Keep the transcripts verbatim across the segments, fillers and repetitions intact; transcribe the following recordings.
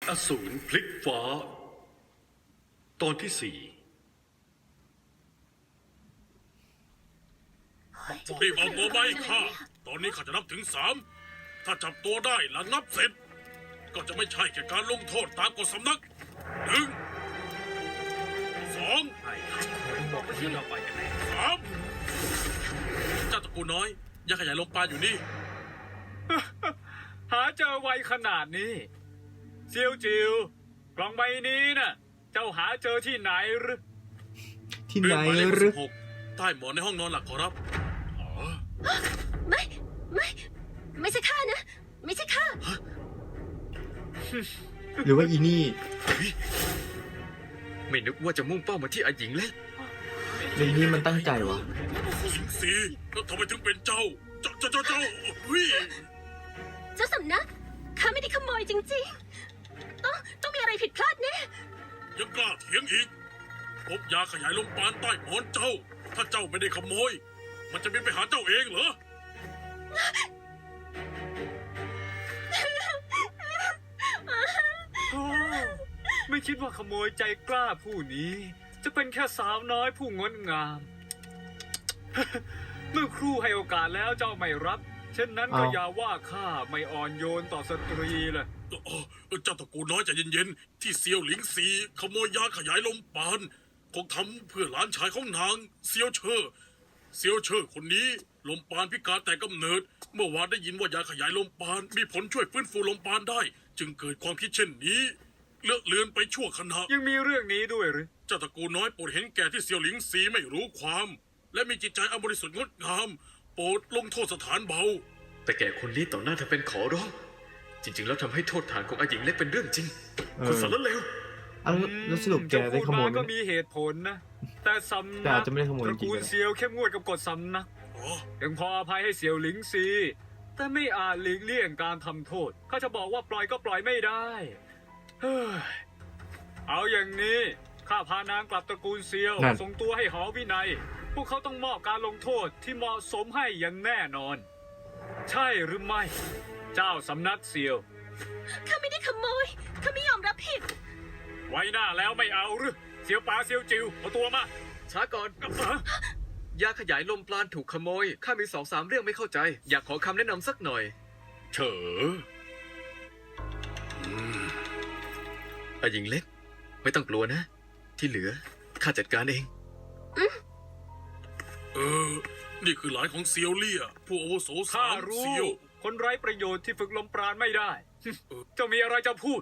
อสูรพลิกฟ้า ตอนที่สี่รีบเอาตัวไปข้าตอนนี้ข้าจะนับถึงสามถ้าจับตัวได้หลังนับเสร็จ ก็จะไม่ใช่แค่การลงโทษตามกฎสำนักหนึ่งสองไอ้บอกที่เราไปกันแน่สามเจ้าตระกูลน้อยยังขยายลงปานอยู่นี่หาเจอไวขนาดนี้เซียวจิวกล่องใบนี้น่ะ เจ้าหาเจอที่ไหนหรือที่ไหเรื่นองหมายเลขหรืสิอบหกใต้หมอนในห้องนอนหลักขอรับไม่ ไม่ ไม่ใช่ข้านะ ไม่ใช่ข้าหรือว่าอีนี่ไม่นึกว่าจะมุ่งเป้ามาที่อาหญิงเล็กในนี่มันตั้งใจวะสิงสีแล้วทำไมถึงเป็นเจ้า เจ้าเจ้าเจ้าเจ้าเฮ้ยเจ้าสำนักข้าไม่ได้ขโมยจริงๆ ต้องต้องมีอะไรผิดพลาดแน่ยังกล้าเถียงอีกพบยาขยายลมปานใต้หมอนเจ้า ถ้าเจ้าไม่ได้ขโมย มันจะบินไปหาเจ้าเองเหรอโอ้ไม่คิดว่าขโมยใจกล้าผู้นี้ จะเป็นแค่สาวน้อยผู้งดงาม เมื่อครู่ให้โอกาสแล้วเจ้าไม่รับ เช่นนั้นก็อ้าวอย่าว่าข้าไม่อ่อนโยนต่อสตรีเลยเอ่อเจ้าตระกูลน้อยใจเย็นๆ ที่เซียวหลิงซีขโมยยาขยายลมปานคงทำเพื่อหลานชายของนางเซียวเชอเซียวเชอคนนี้ลมปานพิการแต่กำเนิด เมื่อวานได้ยินว่ายาขยายลมปานมีผลช่วยฟื้นฟูลมปานได้ จึงเกิดความคิดเช่นนี้ เลอะเลือนไปชั่วขณะยังมีเรื่องนี้ด้วยหรือเจ้าตระกูลน้อยโปรดเห็นแก่ที่เซียวหลิงซีไม่รู้ความ และมีจิตใจอันบริสุทธิ์งดงาม โปรดลงโทษสถานเบาแต่แกคนนี้ต่อหน้าเธอเป็นขอร้อง จริง ๆ แล้วทำให้โทษฐานของอาหญิงเล็กเป็นเรื่องจริงเออคุณสารเลวอันแล้วสรุปแกได้ขโมยไหมจะพูดาก็มีเหตุผลนะ แต่สำแต่นัอาจจะไม่ได้ขโมยตจริระงๆกูลก็ได้เซียวเข้มงวดกับกฎสำนักอ๋อยังพออภัยให้เสี่ยวหลิงซี แต่ไม่อาจหลีกเลี่ยงการทำโทษข้าจะบอกว่าปล่อยก็ปล่อยไม่ได้เฮ้ยเอาอย่างนี้ข้าพานางกลับตระกูลเซียวนั่นส่งตัวให้หอวินัย พวกเขาต้องมอบการลงโทษที่เหมาะสมให้อย่างแน่นอน ใช่หรือไม่ เจ้าสำนักเซียวข้าไม่ได้ขโมย ข้าไม่ยอมรับผิดไว้หน้าแล้วไม่เอาหรือเซียวป๋าเซียวจิวเอาตัวมาช้าก่อนเอ้อยาขยายลมปราณถูกขโมย ข้ามีสองสามเรื่องไม่เข้าใจ อยากขอคำแนะนำสักหน่อยเฉออืมอาหญิงเล็ก ไม่ต้องกลัวนะ ที่เหลือข้าจัดการเองเออ นี่คือหลานของเซียวเลี่ย ผู้อาวุโสข้าสามรู้เซียวคนไร้ประโยชน์ที่ฝึกลมปราณไม่ได้ เจ้ามีอะไรจะพูด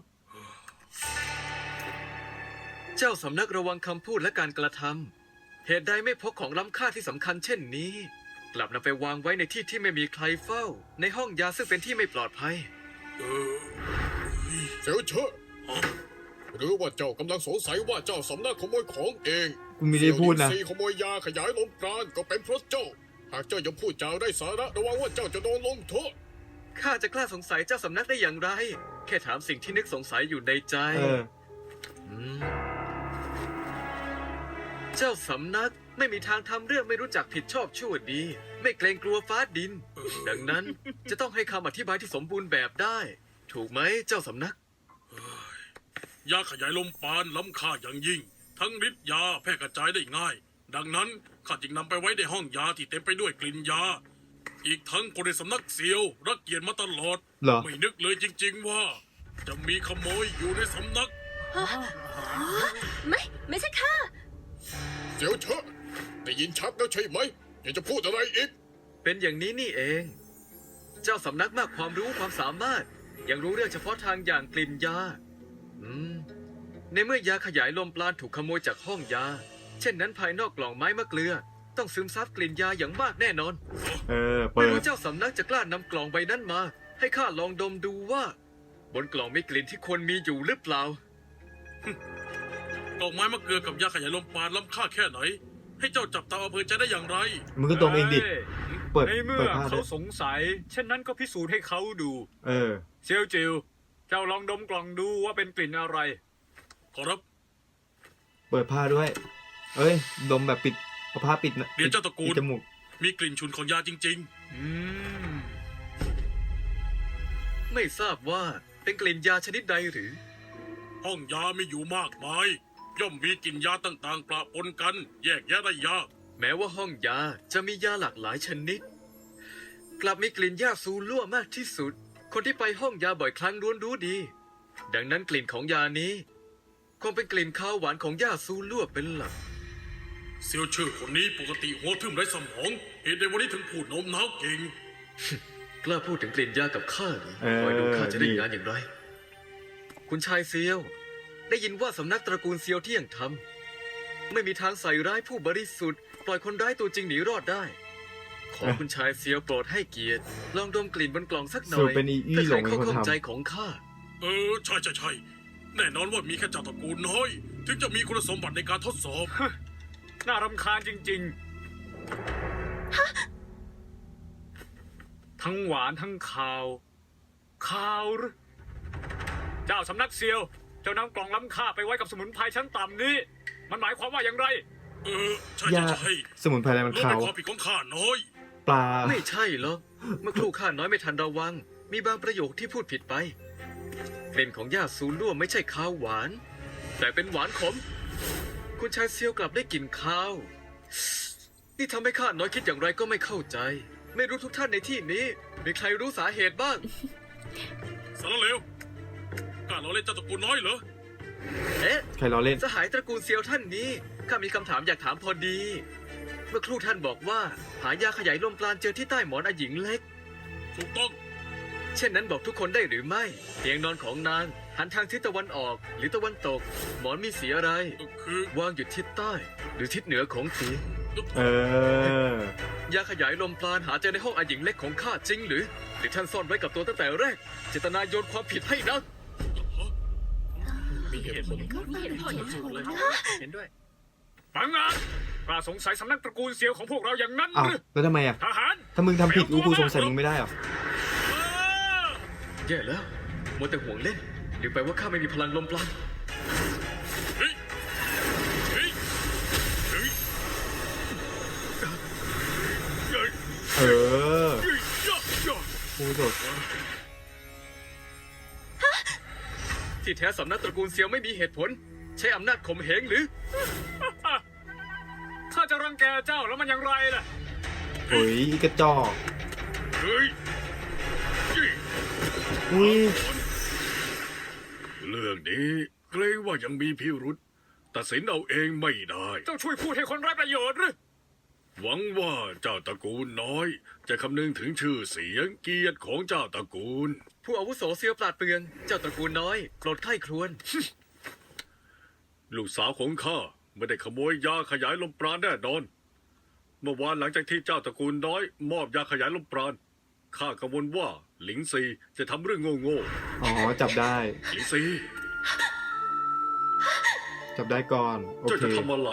เจ้าสำนักระวังคำพูดและการกระทำเหตุใดไม่พกของล้ำค่าที่สำคัญเช่นนี้ กลับนำไปวางไว้ในที่ที่ไม่มีใครเฝ้า ในห้องยาซึ่งเป็นที่ไม่ปลอดภัยเออเสียวเชอะหรือว่าเจ้ากำลังสงสัยว่าเจ้าสำนักขโมยของเองกูไม่ได้พูดนะเสี่ยวหลิงซีขโมยยาขยายลมปราณก็เป็นเพราะเจ้า หากเจ้ายังพูดจาได้สาระระวังว่าเจ้าจะโดนลงโทษข้าจะกล้าสงสัยเจ้าสำนักได้อย่างไร แค่ถามสิ่งที่นึกสงสัยอยู่ในใจเออมเจ้าสำนักไม่มีทางทำเรื่องไม่รู้จักผิดชอบชั่วดี ไม่เกรงกลัวฟ้าดิน ดังนั้นจะต้องให้คำอธิบายที่สมบูรณ์แบบได้ ถูกไหมเจ้าสำนักยาขยายลมปานล้ำค่าอย่างยิ่ง ทั้งฤทธิ์ยาแพร่กระจายได้ง่าย ดังนั้นข้าจึงนำไปไว้ในห้องยาที่เต็มไปด้วยกลิ่นยา อีกทั้งคนในสำนักเซียว รักเกียรติมาตลอดเหรอไม่นึกเลยจริง ๆ ว่า จะมีขโมยอยู่ในสำนักไม่ ไม่ใช่ข้าเสียวเชอะได้ยินชัดแล้วใช่ไหมอยากจะพูดอะไรอีกเป็นอย่างนี้นี่เอง เจ้าสำนักมากความรู้ความสามารถ ยังรู้เรื่องเฉพาะทางอย่างกลิ่นยา อืม ในเมื่อยาขยายลมปราณถูกขโมยจากห้องยา เช่นนั้นภายนอกกล่องไม้มะเกลือ ต้องซึมซับกลิ่นยาอย่างมากแน่นอนเออ เปิไม่ดรู้เจ้าสำนักจะกล้านำกล่องใบนั้นมา ให้ข้าลองดมดูว่า บนกล่องมีกลิ่นที่ควรมีอยู่หรือเปล่าดอกไม้มะเกลือกับยาขยายลมปานล้ำค่าแค่ไหน ให้เจ้าจับตาอำเภอใจได้อย่างไรมึงก็ตรงเองดิอ้ยเปิดในเมื่เปิอดผ้าด้เขาวยสงสัย เช่นนั้นก็พิสูจน์ให้เขาดูเออเซียวจิว เจ้าลองดมกล่องดูว่าเป็นกลิ่นอะไรขอรับเปิดผ้าด้วย เอ้ย ดมแบบปิดเอาผ้าปิดนะเดี๋ยวเจ้าตระกูลปิดจมูกมีกลิ่นฉุนของยาจริงอืมไม่ทราบว่าเป็นกลิ่นยาชนิดใดหรือๆห้องยามีอยู่มากมาย ย่อมมีกลิ่นยาต่างๆปะปนกัน แยกแยะได้ยากแม้ว่าห้องยาจะมียาหลากหลายชนิด กลับมีกลิ่นยาซูลั่วมากที่สุด คนที่ไปห้องยาบ่อยครั้งล้วนรู้ดี ดังนั้นกลิ่นของยานี้คงเป็นกลิ่นข้าวหวานของยาซูลั่วเป็นหลักเซียวเชื่อคนนี้ปกติหัวทึมไร้สมอง เหตุใดวันนี้ถึงพูดโน้มน้าวเก่งกล้าพูดถึงกลิ่นยากับข้าเหรอเออคอยดูข้าจะได้ดีงานอย่างไร คุณชายเซียว ได้ยินว่าสำนักตระกูลเซียวเที่ยงทำไม่มีทางใส่ร้ายผู้บริสุทธิ์ ปล่อยคนร้ายตัวจริงหนีรอดได้ ขอคุณชายเซียวโปรดให้เกียรติ ลองดมกลิ่นบนกล่องสักหน่สรุอปยเป็นอีอี้เพื่อหลไขงเป็นคนข้อข้องทำใจของข้าเออใช่ใช่ใช่แน่นอนว่ามีแค่เจ้าตระกูลน้อย ถึงจะมีคุณสมบัติในการทดสอบน่ารำคาญจริงๆ ทั้งหวานทั้งคาวคาวหรือเจ้าสำนักเซียว เจ้านำกล่องล้ำค่าไปไว้กับสมุนไพรชั้นต่ำนี้ มันหมายความว่าอย่างไรเออใช่ยาใช่ใช่สมุนไพรอะไรมันรู้ขาเป็นวความผิดของข้าน้อยปลาไม่ใช่หรอกเมื่อครู่ข้าน้อยไม่ทันระวัง มีบางประโยคที่พูดผิดไปกลิ่นของยาซูลั่วไม่ใช่ข้าวหวาน แต่เป็นหวานขม คุณชายเซียวกลับได้กลิ่นข้าว นี่ทำให้ข้าน้อยคิดอย่างไรก็ไม่เข้าใจ ไม่รู้ทุกท่านในที่นี้ มีใครรู้สาเหตุบ้างสารเลวกล้าเราเล่นเจ้าตระกูลน้อยเหรอเอ๊ะใครล้อเล่นสหายตระกูลเซียวท่านนี้ข้ามีคำถามอยากถามพอดี เมื่อครู่ท่านบอกว่า หายาขยายลมปราณเจอที่ใต้หมอนอาหญิงเล็กถูกต้องเช่นนั้นบอกทุกคนได้หรือไม่เตียงนอนของนางหันทางทิศตะวันออกหรือตะวันตก หมอนมีสีอะไรก็คือวางอยู่ทิศใต้ หรือทิศเหนือของเตียงเออยาขยายลมปราณหาเจอในห้องอาหญิงเล็กของข้าจริงหรือ หรือท่านซ่อนไว้กับตัวตั้งแต่แรก เจตนาโยนความผิดให้นางมีเหตุผลไม่เห็นผลเห็นด้วยฟังงานกล้าสงสัยสำนักตระกูลเซียวของพวกเราอย่างนั้นอ้าวหรือแล้วทำไมอ่ะทหารถ้ามึงทำผิดกูกูสงสัยมึงไม่ได้เหรอแย่แล้วมัวแต่ห่วงเล่นลืมไปว่าข้าไม่มีพลังลมปราณเฮ้ยเฮ้ยเฮ้ยเฮ้ยเออเฮ้ยย่าย่ากูสดที่แท้สำนักตระกูลเซียวไม่มีเหตุผล ใช้อำนาจข่มเหงหรือถ้าจะรังแกเจ้าแล้วมันอย่างไรล่ะโอ้ยอีกระจอกเฮ้ยเฮ้ยอุ้ยเรื่องนี้เกรงว่ายังมีพิรุษตัดสินเอาเองไม่ได้เจ้าช่วยพูดให้คนไร้ประโยชน์หรือหวังว่าเจ้าตระกูลน้อย จะคำนึงถึงชื่อเสียงเกียรติของเจ้าตระกูลผู้อาวุโสเซียวปราดเปรือง เจ้าตระกูลน้อยโปรดไข้ครวญลูกสาวของข้าไม่ได้ขโมยยาขยายลมปราณแน่นอน เมื่อวานหลังจากที่เจ้าตระกูลน้อย มอบยาขยายลมปราณข้ากังวลว่าหลิงซีจะทำเรื่องโง่อ๋อ จับได้ๆหลิงซีจับได้ก่อน โอเจ้าเคจะทำอะไร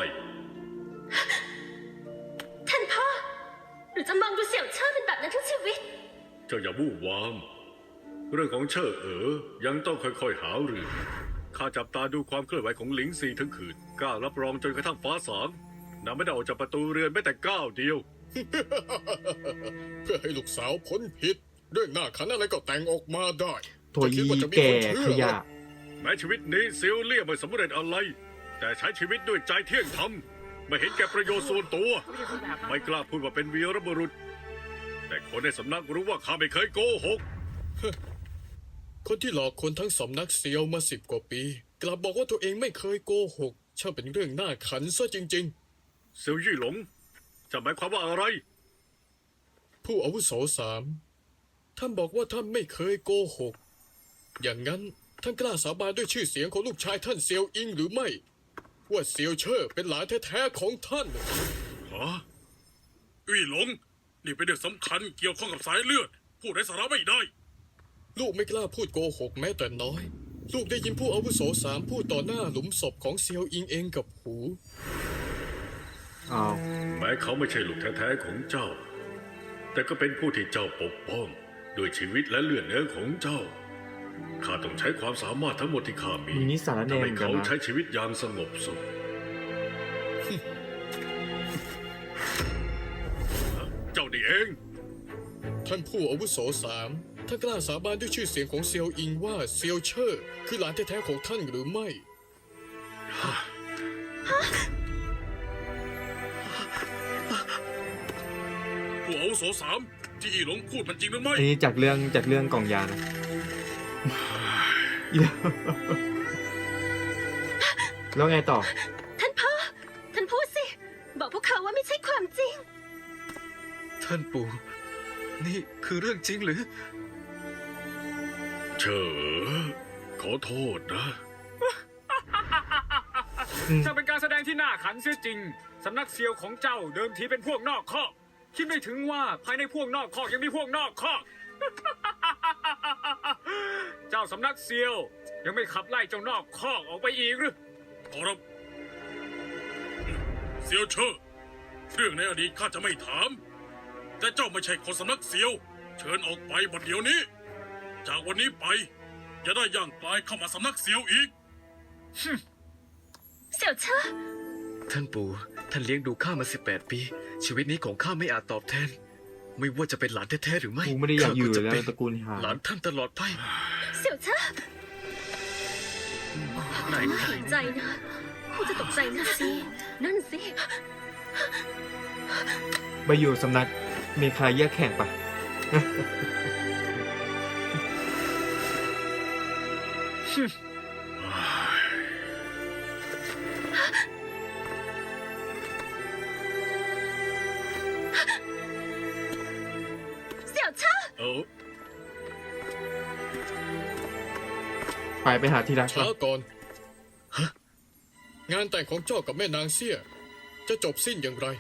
ท่านพ่อ หรือจะมองดูเสี่ยวเชิดเป็นแบบนั้นทั้งชีวิตเจ้าอย่าวู่วาม เรื่องของเชิดเอ๋อยังต้องค่อยๆหารือข้าจับตาดูความเคลื่อนไหวของหลิงซีทั้งคืนกล้ารับรองจนกระทั่งฟ้าสางนางไม่ได้ออกจากประตูเรือนแม้แต่ก้าวเดียวเพื่อให้ลูกสาวพ้นผิด เรื่องหน้าขันอะไรก็แต่งออกมาได้ตัวจะคิยีดว่าจะมีแก่คนเชื่ขอเหรยะอแม้ชีวิตนี้เซียวเลี่ยไม่สำเร็จอะไร แต่ใช้ชีวิตด้วยใจเที่ยงธรรมไม่เห็นแก่ประโยชน์ส่วนตัว ไม่กล้าพูดว่าเป็นวีรบุรุษ แต่คนในสำนักรู้ว่าข้าไม่เคยโกหกคนที่หลอกคนทั้งสำนักเซียวมาสิบกว่าปี กลับบอกว่าตัวเองไม่เคยโกหกช่างเป็นเรื่องน่าขันซะจริงเซียวยี่หลงจะหมายความว่าอะไรๆ ผู้อาวุโสสามท่านบอกว่าท่านไม่เคยโกหก อย่างนั้นท่านกล้าสาบานด้วยชื่อเสียงของลูกชายท่านเซียวอิงหรือไม่ ว่าเซียวเชอร์เป็นหลานแท้ๆของท่านฮะอุ้ยหลง นี่เป็นเรื่องสำคัญเกี่ยวข้องกับสายเลือด พูดไร้สาระไม่ได้ลูกไม่กล้าพูดโกหกแม้แต่น้อย ลูกได้ยินผู้อาวุโสสามพูดต่อหน้าหลุมศพของเซียวอิงเองกับหูอ้าวแม้เขาไม่ใช่ลูกแท้ๆของเจ้า แต่ก็เป็นผู้ที่เจ้าปกป้องด้วยชีวิตและเลือดเนื้อของเจ้า ข้าต้องใช้ความสามารถทั้งหมดที่ข้ามีมีนิสสารแนทำเหให้มือนกัเขานนะใช้ชีวิตอย่างสงบสุข เจ้านี่เองท่านผู้อาวุโสสามท่านกล้าสาบานด้วยชื่อเสียงของเซียวอิงว่าเซียวเชอร์คือหลานแท้ๆของท่านหรือไม่ผู้อาวุโสสามที่อีหลงพูดมันจริงหรือไม่อันนี้จากเรื่องจากเรื่องกล่องยานะ แล้วไงต่อท่านพ่อ ท่านพูดสิ บอกพวกเขาว่าไม่ใช่ความจริงท่านปู่ นี่คือเรื่องจริงหรือเชอขอโทษนะจะเป็นการแสดงที่น่าขันเสียจริง สำนักเซียวของเจ้าเดิมทีเป็นพวกนอกคอก คิดไม่ถึงว่าภายในพวกนอกคอกยังมีพวกนอกคอก เจ้าสำนักเซียวยังไม่ขับไล่เจ้านอกคอกออกไปอีกหรือขอรับเซียวเชอเรื่องในอดีตข้าจะไม่ถาม แต่เจ้าไม่ใช่คนสำนักเซียว เชิญออกไปบัดเดี๋ยวนี้ จากวันนี้ไป อย่าได้ย่างกลายเข้ามาสำนักเซียวอีกเสี่ยวเชอท่านปู่ ท่านเลี้ยงดูข้ามาสิบแปดปี ชีวิตนี้ของข้าไม่อาจตอบแทน ไม่ว่าจะเป็นหลานแท้ๆหรือไม่กูไม่ได้อยากอยู่ข้จะแล้วเป็นตระกูลหาหลานท่านตลอดไปเสี่ยวเชอไหนหายใจนะคุณจะตกใจนะสิ นั่นสิไปอยู่สำนักเมคาแยกแข่งปะเสี่ยวเชอเออไปไปหาที่รักช้าปะก่อน งานแต่งของเจ้ากับแม่นางเสี่ย จะจบสิ้นอย่างไร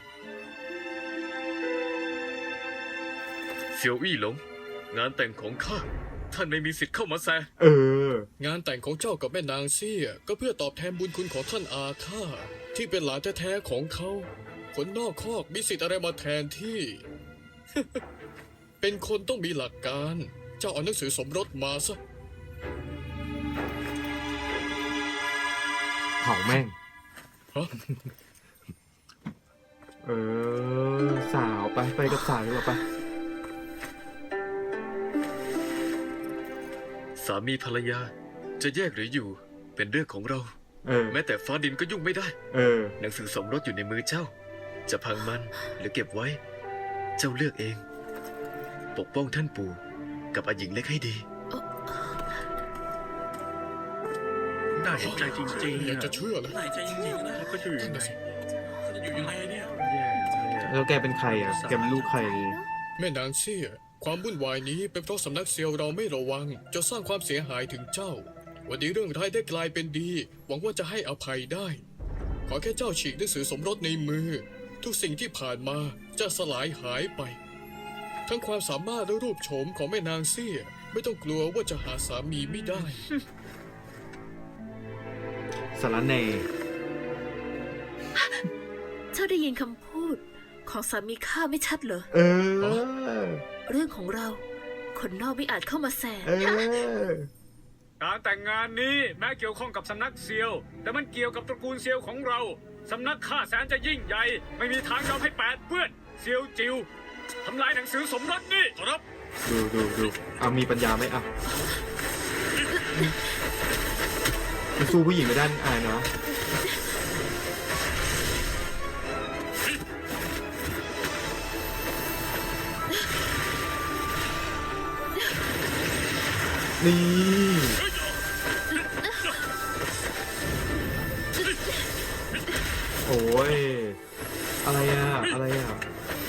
เสี่ยวอี้หลง งานแต่งของข้า ท่านไม่มีสิทธิ์เข้ามาแซะเอองานแต่งของเจ้ากับแม่นางเสี่ย ก็เพื่อตอบแทนบุญคุณของท่านอาข้าที่เป็นหลานแท้ๆของเขาคนนอกคอกมีสิทธิ์อะไรมาแทนที่ เป็นคนต้องมีหลักการ เจ้าเอาหนังสือสมรสมาซะเผาแม่งฮะเออ สาวไปไปกับสาวดีกว่าปะสามีภรรยา จะแยกหรืออยู่ เป็นเรื่องของเราเออแม้แต่ฟ้าดินก็ยุ่งไม่ได้เออหนังสือสมรสอยู่ในมือเจ้า จะพังมันหรือเก็บไว้ เจ้าเลือกเอง ปกป้องท่านปู่กับอาหญิงเล็กให้ดีน่าเห็นใจจริงๆอยากจะเชื่อเลยไหนใจจริงๆนะแล้วก็จะอยู่ยังไงเขาจะอยู่ยังไงเนี่ยแล้วแกเป็นใครอ่ะ แกเป็นลูกใครแม่นางเสี่ย ความวุ่นวายนี้เป็นเพราะสำนักเซียวเราไม่ระวังจนสร้างความเสียหายถึงเจ้า วันนี้เรื่องร้ายได้กลายเป็นดี หวังว่าจะให้อภัยได้ ขอแค่เจ้าฉีกหนังสือสมรสในมือ ทุกสิ่งที่ผ่านมาจะสลายหายไป ทั้งความสามารถและรูปโฉมของแม่นางเสี่ย ไม่ต้องกลัวว่าจะหาสามีไม่ได้สารแหน่เจ้าได้ยินคำพูดของสามีข้าไม่ชัดเหรอเออเรื่องของเรา คนนอกไม่อาจเข้ามาแสเออการแต่งงานนี้แม้เกี่ยวข้องกับสำนักเซียว แต่มันเกี่ยวกับตระกูลเซียวของเรา สำนักข้าแสนจะยิ่งใหญ่ ไม่มีทางยอมให้แปดเปื้อนเซียวจิวทำลายหนังสือสมรสนี่ขอรับดูดูดูเอามีปัญญาไหมอ่ะมันสู้ผู้หญิงไม่ได้อายเนาะ นี่ โอ้ย อะไรอ่ะ อะไรอ่ะ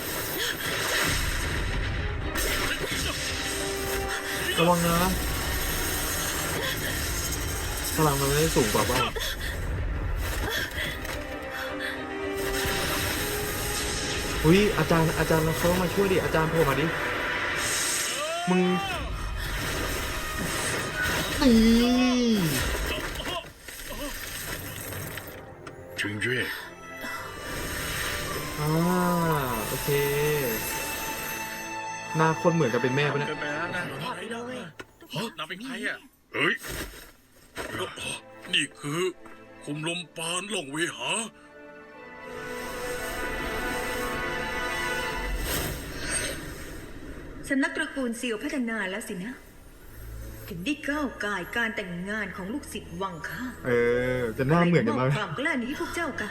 ระวังนะพลังมันไม่ได้สูงกว่าเปล่าอุ้ยอาจารย์อาจารย์เขาต้องมาช่วยดิ อาจารย์โผล่มาดิ มึง นี่ถึงเย่อ่าโอเค หน้าคนเหมือนกับเป็นแม่ปะเนี่ยเกินไปแล้วนะฮะนางเป็นใครอ่ะเฮ้ย นี่คือคุมลมปานหลงเวหาสสำนักตระกูลเซียวพัฒนาแล้วสินะ ถึงได้ก้าวก่ายการแต่งงานของลูกศิษย์วังค่าเออ จะหน้าเหมือนกันใครมากบความกล้านี้ให้พวกเจ้ากัน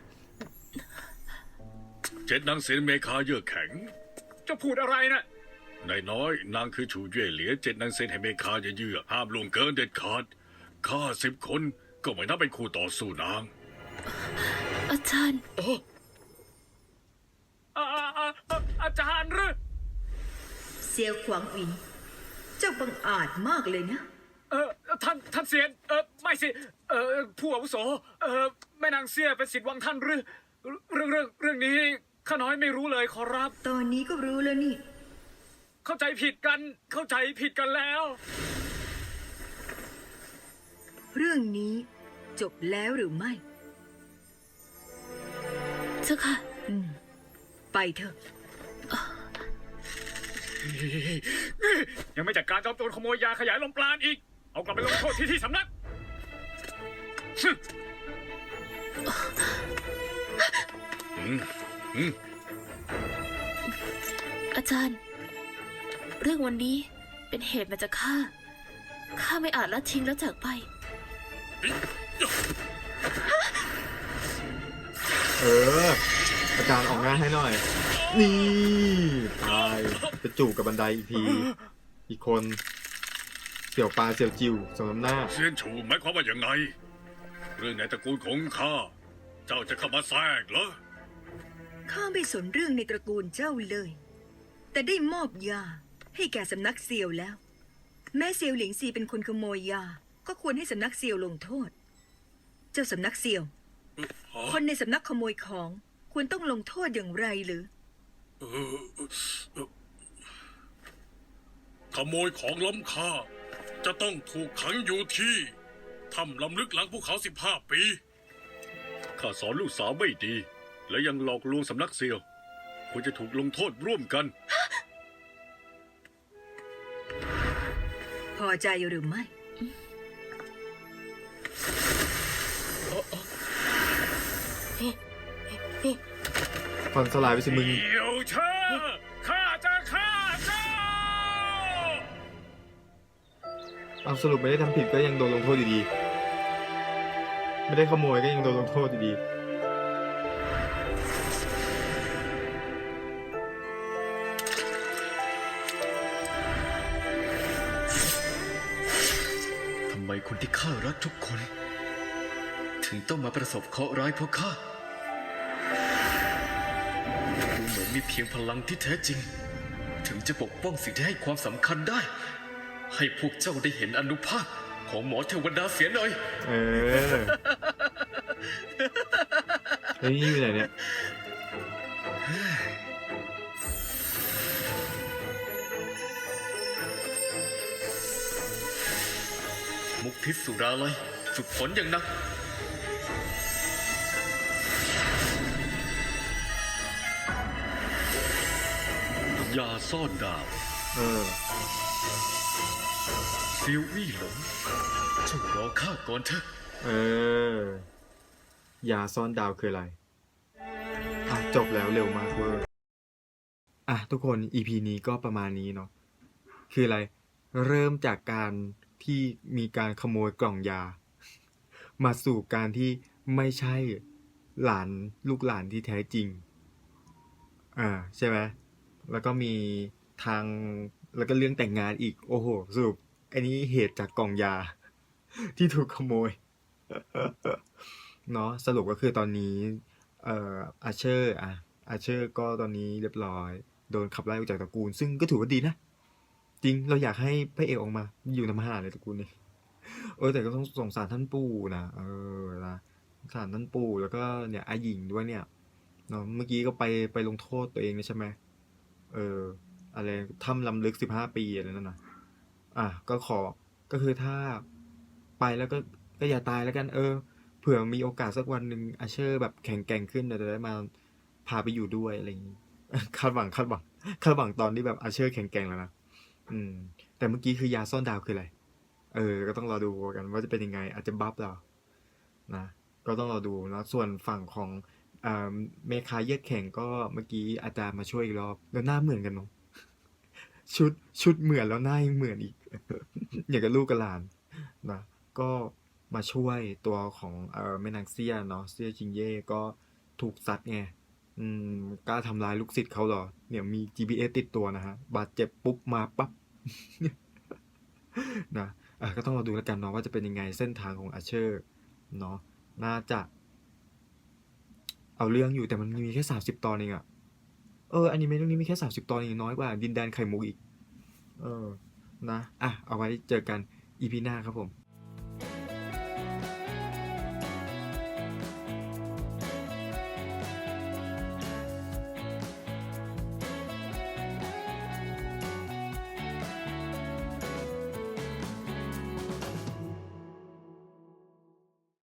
เจ็ดนางเสียนเมคาเยือกแข็งจะพูดอะไรนะนายน้อยนางคือชูเย่เหลียเจ็ดนางเซนแห่งเมคาเยื่อห้ามล่วงเกินเด็ดขาดข้าสิบคนก็ไม่นับเป็นคู่ต่อสู้นางอาจารย์อาอาอาอาอาจารย์หรือเซียวขวางอิน เจ้าบังอาจมากเลยนะเออท่านท่านเสียนเออไม่สิเออผู้อาวุโสเออแม่นางเสียเป็นศิษย์วังท่านหรือเรื่องเรื่องเรื่องนี้ข้าน้อยไม่รู้เลยขอรับตอนนี้ก็รู้แล้วนี่เข้าใจผิดกันเข้าใจผิดกันแล้วเรื่องนี้จบแล้วหรือไม่เจ้าค่ะอืม ไปเถอะยังไม่จัดการจอมโจรขโมยยาขยายลมปราณอีก เอากลับไปลงโทษที่ที่สำนักอาจารย์ เรื่องวันนี้เป็นเหตุมาจากข้า ข้าไม่อาจละทิ้งแล้วจากไปเออ อาจารย์ออกงานให้หน่อย นี่ตายจะจูบกับบันไดอีกที อีกคน เสี่ยวปลาเสี่ยวจิวสมน้ำหน้าเซียนชูหมายความว่าอย่างไง เรื่องในตระกูลของข้าเจ้าจะเข้ามาแทรกเหรอข้าไม่สนเรื่องในตระกูลเจ้าเลย แต่ได้มอบยาให้แก่สำนักเซียวแล้ว แม้เซียวหลิงซีเป็นคนขโมยยา ก็ควรให้สำนักเซียวลงโทษ เจ้าสำนักเซียว คนในสำนักขโมยของควรต้องลงโทษอย่างไรหรือเออเอ่อขโมยของล้ำค่า จะต้องถูกขังอยู่ที่ถ้ำลำลึกหลังภูเขาสิบห้าปี ข้าสอนลูกสาวไม่ดี และยังหลอกลวงสำนักเซียวควรจะถูกลงโทษร่วมกันพอใจหรือไม่ฟันสลายไปสิมึงเดี๋ยวเชอข้าจะฆ่าเจ้าเอาสรุปไม่ได้ทำผิดก็ยังโดนลงโทษอยู่ดี ไม่ได้ขโมยก็ยังโดนลงโทษอยู่ดีทำไมคนที่ข้ารักทุกคน ถึงต้องมาประสบเคราะห์ร้ายเพราะข้า ดูเหมือนมีเพียงพลังที่แท้จริง ถึงจะปกป้องสิ่งที่ให้ความสำคัญได้ ให้พวกเจ้าได้เห็นอานุภาพของหมอเทวดาเสียหน่อยเออเฮ้ยนี่อยู่ไหนเนี่ยมุกพิษสุราลัยฝึกฝนอย่างหนักยาซ่อนดาวเออซิวอี้หลงเจ้ารอข้าก่อนเถอะเออ ยาซ่อนดาวคืออะไร อ่ะ จบแล้วเร็วมากเวอร์ อ่ะ ทุกคน อี พี นี้ก็ประมาณนี้เนาะ คืออะไร เริ่มจากการที่มีการขโมยกล่องยา มาสู่การที่ไม่ใช่หลานลูกหลานที่แท้จริง อ่า ใช่ไหม แล้วก็มีทาง แล้วก็เรื่องแต่งงานอีก โอ้โห สรุปอันนี้เหตุจากกล่องยา ที่ถูกขโมย เนาะสรุปก็คือตอนนี้เอ่ออาเชอร์อ่ะอาเชอร์ก็ตอนนี้เรียบร้อย โดนขับไล่ออกจากตระกูล ซึ่งก็ถือว่าดีนะ จริงเราอยากให้พระเอกออกมา อยู่ทำอาหารในตระกูลนี้ เออแต่ก็ต้องสงสารท่านปู่นะเออนะสงสารท่านปู่แล้วก็เนี่ยอาหญิงด้วยเนี่ยเนาะเมื่อกี้ก็ไปไปลงโทษตัวเองใช่ไหมเอออะไรถ้ำลำลึกสิบห้าปีอะไรนั่นนะอ่ะก็ขอก็คือถ้าไปแล้วก็ก็อย่าตายแล้วกัน เออเผื่อมีโอกาสสักวันหนึ่งอาเชอร์แบบแข็งแกร่งขึ้นเดี๋ยวจะได้มาพาไปอยู่ด้วยอะไรอย่างนี้ คาดหวังคาดหวังคาดหวังตอนที่แบบอาเชอร์แข็งแกร่งแล้วนะอืม แต่เมื่อกี้คือยาซ่อนดาวคืออะไร เออ ก็ต้องรอดูกันว่าจะเป็นยังไง อาจจะบัฟเรานะ ก็ต้องรอดูนะส่วนฝั่งของอ่าเมคาเยือกแข็งก็เมื่อกี้อาจารย์มาช่วยอีกรอบแล้วหน้าเหมือนกันเนาะชุดชุดเหมือนแล้วหน้ายังเหมือนอีก อย่างกับลูกกับหลานนะก็มาช่วยตัวของเออแม่นางเซี่ยเนาะเซี่ยจิงเย่ก็ถูกซัดไงอืมกล้าทำร้ายลูกศิษย์เขาเหรอเนี่ยมี จี พี เอส ติดตัวนะฮะบาดเจ็บปุ๊บมาปั๊บ นะอ่ะก็ต้องรอดูแล้วกันเนาะว่าจะเป็นยังไงเส้นทางของอาเชอร์เนาะน่าจะ เอาเรื่องอยู่แต่มันมีแค่สามสิบตอนเองอะเอออนิเมะเรื่องนี้มีแค่สามสิบตอนเองน้อยกว่าดินแดนไข่มุกอีก เออ นะ อ่ะ เอาไว้เจอกันอีพีหน้าครับผม